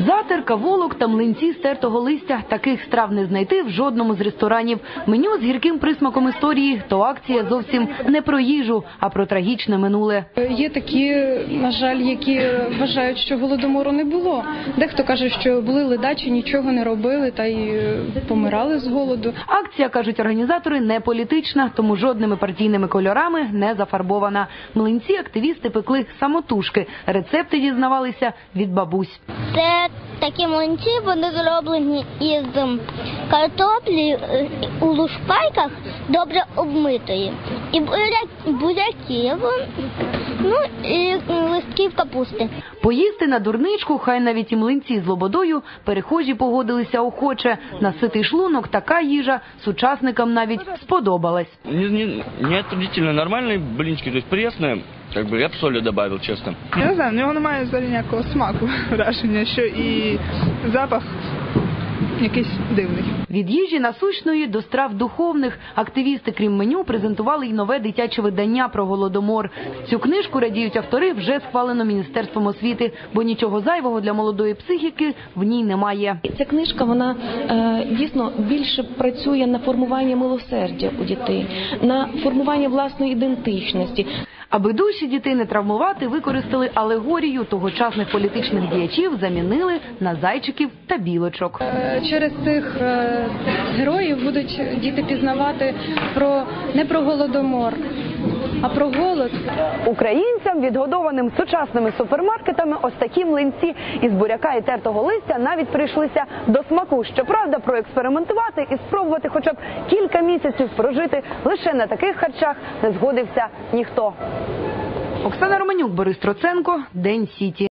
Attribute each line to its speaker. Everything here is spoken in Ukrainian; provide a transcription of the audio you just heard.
Speaker 1: Затерка, волок та млинці з тертого листя. Таких страв не знайти в жодному з ресторанів. Меню з гірким присмаком історії. То акція зовсім не про їжу, а про трагічне минуле.
Speaker 2: Є такі, на жаль, які вважають, що Голодомору не було. Дехто каже, що були ледачі, нічого не робили та й помирали з голоду.
Speaker 1: Акція, кажуть організатори, не політична, тому жодними партійними кольорами не зафарбована. Млинці активісти пекли самотужки. Рецепти дізнавалися від бабусь.
Speaker 3: Це такі млинці, вони зроблені із картоплі у лушпайках добре обмитої. І буряків, і листків капусти.
Speaker 1: Поїсти на дурничку, хай навіть і млинці з лободою, перехожі погодилися охоче. На ситий шлунок така їжа сучасникам навіть сподобалась.
Speaker 4: Не отвратительно, нормальные блинчики, то есть пресные. Я б солі добавил, чесно.
Speaker 5: Я не знаю, в нього немає взагалі ніякого смаку, враження, що і запах якийсь дивний.
Speaker 1: Від їжі насущної до страв духовних активісти, крім меню, презентували й нове дитяче видання про Голодомор. Цю книжку, радіють автори, вже схвалено Міністерством освіти, бо нічого зайвого для молодої психіки в ній немає.
Speaker 6: Ця книжка, вона дійсно більше працює на формування милосердя у дітей, на формування власної ідентичності.
Speaker 1: Аби душі дітей не травмувати, використали алегорію тогочасних політичних діячів, замінили на зайчиків та білочок.
Speaker 2: Через цих героїв будуть діти пізнавати не про Голодомор, а про голод.
Speaker 1: Українцям, відгодованим сучасними супермаркетами, ось такі млинці із буряка і тертого листя навіть прийшлися до смаку. Щоправда, проекспериментувати і спробувати хоча б кілька місяців прожити лише на таких харчах не згодився ніхто. Оксана Романюк, Борис Троценко, День Сіті.